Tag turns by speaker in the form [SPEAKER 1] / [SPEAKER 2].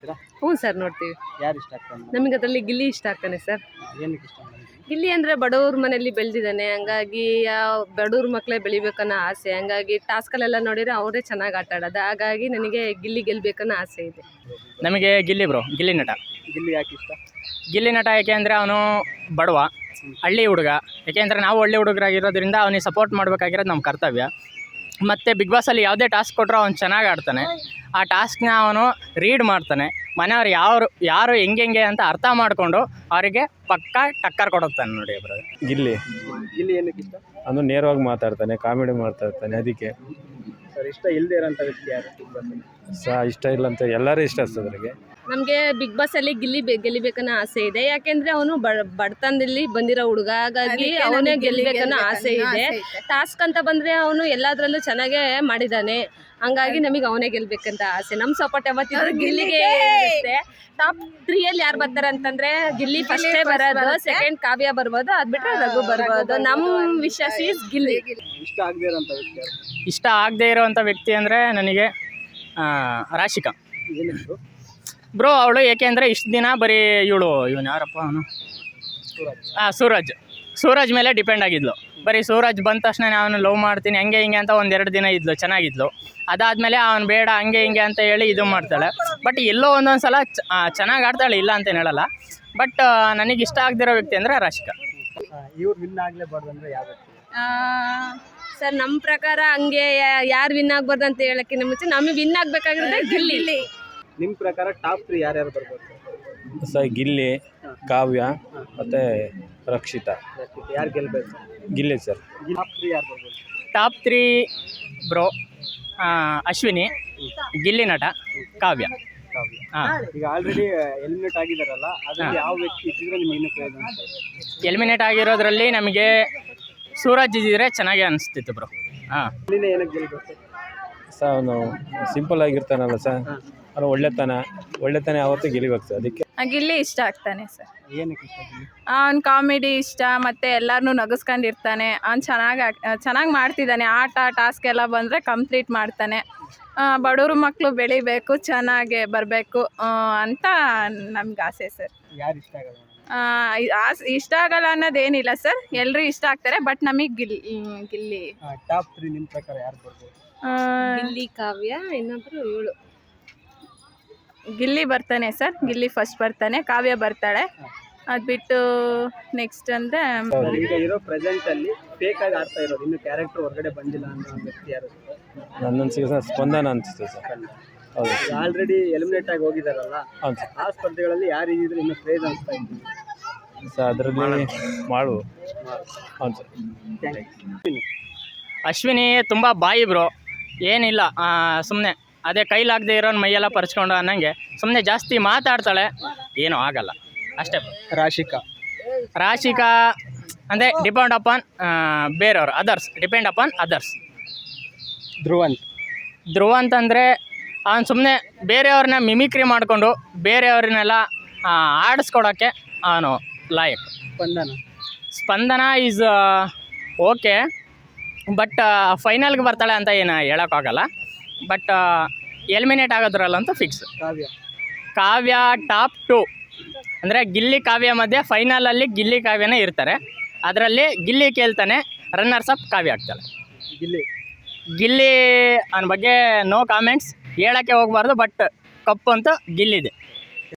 [SPEAKER 1] ಹ್ಞೂ ಸರ್, ನೋಡ್ತೀವಿ.
[SPEAKER 2] ಯಾರು ಇಷ್ಟ ಆಗ್ತಾನೆ?
[SPEAKER 1] ನಮಗೆ ಅದರಲ್ಲಿ ಗಿಲ್ಲಿ ಇಷ್ಟ ಆಗ್ತಾನೆ ಸರ್.
[SPEAKER 2] ಏನಕ್ಕೆ ಇಷ್ಟ ನಿಮ್ಗೆ?
[SPEAKER 1] ಗಿಲ್ಲಿ ಅಂದರೆ ಬಡವ್ರ ಮನೆಯಲ್ಲಿ ಬೆಳೆದಿದ್ದಾನೆ, ಹಂಗಾಗಿ ಬಡವ್ರ ಮಕ್ಕಳೇ ಬೆಳಿಬೇಕನ್ನೋ ಆಸೆ. ಹಂಗಾಗಿ ಟಾಸ್ಕಲ್ಲೆಲ್ಲ ನೋಡಿದರೆ ಅವರೇ ಚೆನ್ನಾಗಿ ಆಟ ಆಡೋದು. ಹಾಗಾಗಿ ನನಗೆ ಗಿಲ್ಲಿ ಗೆಲ್ಲಬೇಕನ್ನೋ ಆಸೆ ಇದೆ.
[SPEAKER 3] ನಮಗೆ ಗಿಲ್ಲಿ ಬ್ರೋ, ಗಿಲ್ಲಿ ನಟ.
[SPEAKER 2] ಗಿಲ್ಲಿ ಯಾಕೆ ಇಷ್ಟ?
[SPEAKER 3] ಗಿಲ್ಲಿ ನಟ ಯಾಕೆ ಅಂದರೆ ಅವನು ಬಡವ, ಹಳ್ಳಿ ಹುಡುಗ. ಯಾಕೆಂದರೆ ನಾವು ಹಳ್ಳಿ ಹುಡುಗರಾಗಿರೋದ್ರಿಂದ ಅವನಿಗೆ ಸಪೋರ್ಟ್ ಮಾಡಬೇಕಾಗಿರೋದು ನಮ್ಮ ಕರ್ತವ್ಯ. ಮತ್ತು ಬಿಗ್ ಬಾಸಲ್ಲಿ ಯಾವುದೇ ಟಾಸ್ಕ್ ಕೊಟ್ಟರು ಅವ್ನು ಚೆನ್ನಾಗಿ ಆಡ್ತಾನೆ. ಆ ಟಾಸ್ಕ್ನ ಅವನು ರೀಡ್ ಮಾಡ್ತಾನೆ. ಮನೆಯವ್ರು ಯಾರು ಹೆಂಗೆ ಅಂತ ಅರ್ಥ ಮಾಡಿಕೊಂಡು ಅವರಿಗೆ ಪಕ್ಕಾ ಟಕ್ಕರ್ ಕೊಡುತ್ತಾನೆ ನೋಡಿ ಬ್ರೋ.
[SPEAKER 4] ಗಿಲ್ಲಿ
[SPEAKER 2] ಏನಕ್ಕೆ ಇಷ್ಟ?
[SPEAKER 4] ಅದು ನೇರವಾಗಿ ಮಾತಾಡ್ತಾನೆ, ಕಾಮಿಡಿ ಮಾಡ್ತಾ ಇರ್ತಾನೆ. ಅದಕ್ಕೆ
[SPEAKER 2] ಸರ್, ಇಷ್ಟ ಇಲ್ಲದೆ ಇರೋಂಥ ವ್ಯಕ್ತಿ ಯಾರು ಬಿಗ್ ಬಾಸ್?
[SPEAKER 4] ಇಷ್ಟ ಇಲ್ಲ ಅಂತ ಎಲ್ಲರೂ ಇಷ್ಟ ಅದ್ರಿಗೆ.
[SPEAKER 1] ನಮಗೆ ಬಿಗ್ ಬಾಸಲ್ಲಿ ಗೆಲ್ಲಿಬೇಕನ್ನೋ ಆಸೆ ಇದೆ. ಯಾಕೆಂದರೆ ಅವನು ಬಡತನದಲ್ಲಿ ಬಂದಿರೋ ಹುಡುಗ, ಹಾಗಾಗಿ ಅವನೇ ಗೆಲ್ಲಬೇಕನ್ನೋ ಆಸೆ ಇದೆ. ಟಾಸ್ಕ್ ಅಂತ ಬಂದರೆ ಅವನು ಎಲ್ಲದರಲ್ಲೂ ಚೆನ್ನಾಗೇ ಮಾಡಿದ್ದಾನೆ. ಹಂಗಾಗಿ ನಮಗೆ ಅವನೇ ಗೆಲ್ಲಬೇಕಂತ ಆಸೆ. ನಮ್ಮ ಸಪೋರ್ಟ್ ಯಾವತ್ತಿದ್ರು ಗಿಲ್ಲಿಗೆ ಇರುತ್ತೆ. ಟಾಪ್ 3ಯಲ್ಲಿ ಯಾರು ಬರ್ತಾರೆ ಅಂತಂದರೆ ಗಿಲ್ಲಿ ಫಸ್ಟೇ ಬರೋದು, ಸೆಕೆಂಡ್ ಕಾವ್ಯ ಬರ್ಬೋದು, ಅದು ಬಿಟ್ಟರೆ ರಘು ಬರ್ಬೋದು. ನಮ್ಮ ವಿಶ್ವಾಸ ಈಸ್ ಗಿಲ್ಲಿ.
[SPEAKER 2] ಇಷ್ಟ ಆಗದೆ ಇರೋಂಥ ವ್ಯಕ್ತಿ ಯಾರು?
[SPEAKER 3] ಇಷ್ಟ ಆಗದೇ ಇರೋವಂಥ ವ್ಯಕ್ತಿ ಅಂದರೆ ನನಗೆ ರಾಶಿಕಾ
[SPEAKER 2] ಏನಕ್ಕೆ?
[SPEAKER 3] ಬ್ರೋ ಅವಳು ಏಕೆಂದರೆ ಇಷ್ಟು ದಿನ ಬರೀ ಇವನು ಯಾರಪ್ಪ ಅವನು, ಸೂರಜ್ ಮೇಲೆ ಡಿಪೆಂಡ್ ಆಗಿದ್ಲು. ಬರೀ ಸೂರಜ್ ಬಂದ ತಕ್ಷಣ ಅವನು ಲವ್ ಮಾಡ್ತೀನಿ ಹಂಗೆ ಹಿಂಗೆ ಅಂತ 1-2 ದಿನ ಇದ್ಲು, ಚೆನ್ನಾಗಿದ್ಲು. ಅದಾದಮೇಲೆ ಅವನು ಬೇಡ ಹಂಗೆ ಹಿಂಗೆ ಅಂತ ಹೇಳಿ ಇದು ಮಾಡ್ತಾಳೆ. ಬಟ್ ಎಲ್ಲೋ ಒಂದೊಂದು ಸಲ ಚೆನ್ನಾಗಿ ಆಡ್ತಾಳೆ, ಇಲ್ಲ ಅಂತೇನು ಹೇಳಲ್ಲ. ಬಟ್ ನನಗೆ ಇಷ್ಟ ಆಗದಿರೋ ವ್ಯಕ್ತಿ ಅಂದರೆ ರಾಶಿಕಾ.
[SPEAKER 2] ಇವ್ರು ವಿನ್ ಆಗಲೇಬಾರ್ದು ಅಂದರೆ ಯಾವ ವ್ಯಕ್ತಿ?
[SPEAKER 1] ಸರ್, ನಮ್ಮ ಪ್ರಕಾರ ಹಂಗೆ ಯಾರು ವಿನ್ ಆಗ್ಬಾರ್ದು ಅಂತ ಹೇಳೋಕ್ಕಿಂತ ಮುಂಚೆ ನಮಗೆ ವಿನ್ ಆಗಬೇಕಾಗಿರೋದೇ ಗಿಲ್ಲಿ.
[SPEAKER 2] ನಿಮ್ಮ ಪ್ರಕಾರ ಟಾಪ್ 3 ಯಾರ್ಯಾರು ಬರ್ಬೋದು?
[SPEAKER 4] ಗಿಲ್ಲಿ, ಕಾವ್ಯ ಮತ್ತು ರಕ್ಷಿತಾ.
[SPEAKER 2] ಯಾರು ಗೆಲ್ಲಬೇಕು?
[SPEAKER 4] ಗಿಲ್ಲಿ ಸರ್.
[SPEAKER 2] ಟಾಪ್ 3 ಯಾರು ಬರ್ಬೋದು?
[SPEAKER 3] ಟಾಪ್ 3 ಬ್ರೋ ಅಶ್ವಿನಿ, ಗಿಲ್ಲಿ ನಟ, ಕಾವ್ಯ.
[SPEAKER 2] ಈಗ ಆಲ್ರೆಡಿ ಎಲಿಮಿನೇಟ್ ಆಗಿದಾರಲ್ಲ, ಅದ್ರಲ್ಲಿ ಯಾವ ವ್ಯಕ್ತಿ ಇದ್ದಿದ್ರೆ ನಿಮ್ಗೆ ಇನ್ನೂ ಪ್ರಯೋಜನ ಅನ್ಸುತ್ತೆ?
[SPEAKER 3] ಎಲಿಮಿನೇಟ್ ಆಗಿರೋದ್ರಲ್ಲಿ ನಮಗೆ ಸೂರಜ್ ಇದ್ದಿದ್ರೆ ಚೆನ್ನಾಗಿ ಅನಿಸ್ತಿತ್ತು ಬ್ರೋ.
[SPEAKER 2] ಇಲ್ಲಿಂದ ಏನಕ್ಕೆ ಗೆಲ್ಬೇಕು?
[SPEAKER 4] ಸರ್ ಅವನು ಸಿಂಪಲ್ ಆಗಿರ್ತಾನಲ್ಲ ಸರ್, ಅವನು ಒಳ್ಳೆತನ ಯಾವತ್ತೂ ಗೆಲ್ಲಿಬೇಕು ಸರ್. ಅದಕ್ಕೆ
[SPEAKER 5] ಗಿಲ್ಲಿ ಇಷ್ಟ ಆಗ್ತಾನೆ ಸರ್.
[SPEAKER 2] ಏನಕ್ಕೆ ಇಷ್ಟ ಗಿಲ್ಲಿ?
[SPEAKER 5] ಅವ್ನು ಕಾಮಿಡಿ ಇಷ್ಟ, ಮತ್ತು ಎಲ್ಲರನ್ನೂ ನಗಿಸ್ಕೊಂಡಿರ್ತಾನೆ. ಅವ್ನು ಚೆನ್ನಾಗಿ ಮಾಡ್ತಿದ್ದಾನೆ. ಆಟ ಟಾಸ್ಕ್ ಎಲ್ಲ ಬಂದರೆ ಕಂಪ್ಲೀಟ್ ಮಾಡ್ತಾನೆ. ಬಡವ್ರ ಮಕ್ಕಳು ಬೆಳಿಬೇಕು, ಚೆನ್ನಾಗಿ ಬರಬೇಕು ಅಂತ ನಮ್ಗೆ ಆಸೆ ಸರ್.
[SPEAKER 2] ಯಾರು ಇಷ್ಟ ಆಗಲ್ಲ?
[SPEAKER 5] ಇಷ್ಟ ಆಗಲ್ಲ ಅನ್ನೋದೇನಿಲ್ಲ ಸರ್, ಎಲ್ಲರೂ ಇಷ್ಟ ಆಗ್ತಾರೆ. ಬಟ್ ನಮಗೆ ಗಿಲ್ಲಿ.
[SPEAKER 2] ಟಾಪ್ 3 ನಿಮ್ಮ ಪ್ರಕಾರ ಯಾರು ಬರ್ಬೋದು?
[SPEAKER 1] ಗಿಲ್ಲಿ, ಕಾವ್ಯ, ಇನ್ನೊಬ್ರು ಇವಳು
[SPEAKER 5] ಗಿಲ್ಲಿ ಬರ್ತಾನೆ ಸರ್. ಗಿಲ್ಲಿ ಫಸ್ಟ್ ಬರ್ತಾನೆ, ಕಾವ್ಯ ಬರ್ತಾಳೆ. ಅದು ಬಿಟ್ಟು ನೆಕ್ಸ್ಟ್ ಅಂದರೆ
[SPEAKER 2] ಈಗ ಇರೋ ಪ್ರೆಸೆಂಟ್ ಅಲ್ಲಿ ಫೇಕ್ ಆಗಿ ಆಡ್ತಾ ಇರೋದು, ಇನ್ನು ಕ್ಯಾರೆಕ್ಟರ್ ಹೊರಗಡೆ ಬಂದಿಲ್ಲ ಅನ್ನೋ ವ್ಯಕ್ತಿ ಯಾರು?
[SPEAKER 4] ನನ್ನನ್ಸಿಗೆ ಸರ್ ಸ್ಪಂದನ ಅನಿಸುತ್ತೆ ಸರ್. ಹೌದು,
[SPEAKER 2] ಆಲ್ರೆಡಿ ಎಲಿಮಿನೇಟ್ ಆಗಿ ಹೋಗಿದಾರಲ್ಲ,
[SPEAKER 4] ಹೌದು ಸರ್.
[SPEAKER 2] ಆ ಸ್ಪರ್ಧೆಗಳಲ್ಲಿ ಯಾರು ಇದ್ದಿದ್ರೆ ಇನ್ನೂ ಕ್ರೇಜ್ ಅನಿಸ್ತಾ ಇದ್ದೀನಿ
[SPEAKER 4] ಸರ್. ಅದರಲ್ಲಿ ಹೌದು ಸರ್.
[SPEAKER 3] ಅಶ್ವಿನಿ ತುಂಬ ಬಾಯಿ ಬ್ರೋ, ಏನಿಲ್ಲ ಸುಮ್ಮನೆ ಅದೇ ಕೈಲಾಗದೆ ಇರೋನ್ ಮೈಯೆಲ್ಲ ಪರ್ಚ್ಕೊಂಡು ಅನ್ನಂಗೆ ಸುಮ್ಮನೆ ಜಾಸ್ತಿ ಮಾತಾಡ್ತಾಳೆ, ಏನೂ ಆಗಲ್ಲ ಅಷ್ಟೇ. ರಾಶಿಕಾ ಅಂದರೆ ಡಿಪೆಂಡ್ ಅಪಾನ್ ಬೇರೆಯವರು, ಡಿಪೆಂಡ್ ಅಪಾನ್ ಅದರ್ಸ್. ಧ್ರುವಂತ್ ಅಂದರೆ ಅವನು ಸುಮ್ಮನೆ ಬೇರೆಯವ್ರನ್ನ ಮಿಮಿಕ್ರಿ ಮಾಡಿಕೊಂಡು ಬೇರೆಯವ್ರನ್ನೆಲ್ಲ ಆಡಿಸ್ಕೊಡೋಕ್ಕೆ ಅವನು ಲಾಯಕ್. ಸ್ಪಂದನ ಈಸ್ ಓಕೆ, ಬಟ್ ಫೈನಲ್ಗೆ ಬರ್ತಾಳೆ ಅಂತ ಏನು ಹೇಳೋಕ್ಕಾಗಲ್ಲ. ಬಟ್ ಎಲಿಮಿನೇಟ್ ಆಗೋದ್ರಲ್ಲಂತೂ ಫಿಕ್ಸ್. ಕಾವ್ಯ ಟಾಪ್ 2 ಅಂದರೆ ಗಿಲ್ಲಿ ಕಾವ್ಯ ಮಧ್ಯೆ ಫೈನಲಲ್ಲಿ ಗಿಲ್ಲಿ ಕಾವ್ಯನೇ ಇರ್ತಾರೆ. ಅದರಲ್ಲಿ ಗಿಲ್ಲಿ ಕೇಳ್ತಾನೆ, ರನ್ನರ್ಸ್ ಅಪ್ ಕಾವ್ಯ ಆಗ್ತಾಳೆ. ಗಿಲ್ಲಿ ಅವನ ಬಗ್ಗೆ ನೋ ಕಾಮೆಂಟ್ಸ್, ಹೇಳೋಕ್ಕೆ ಹೋಗಬಾರ್ದು. ಬಟ್ ಕಪ್ಪು ಅಂತೂ ಗಿಲ್ಲಿದೆ.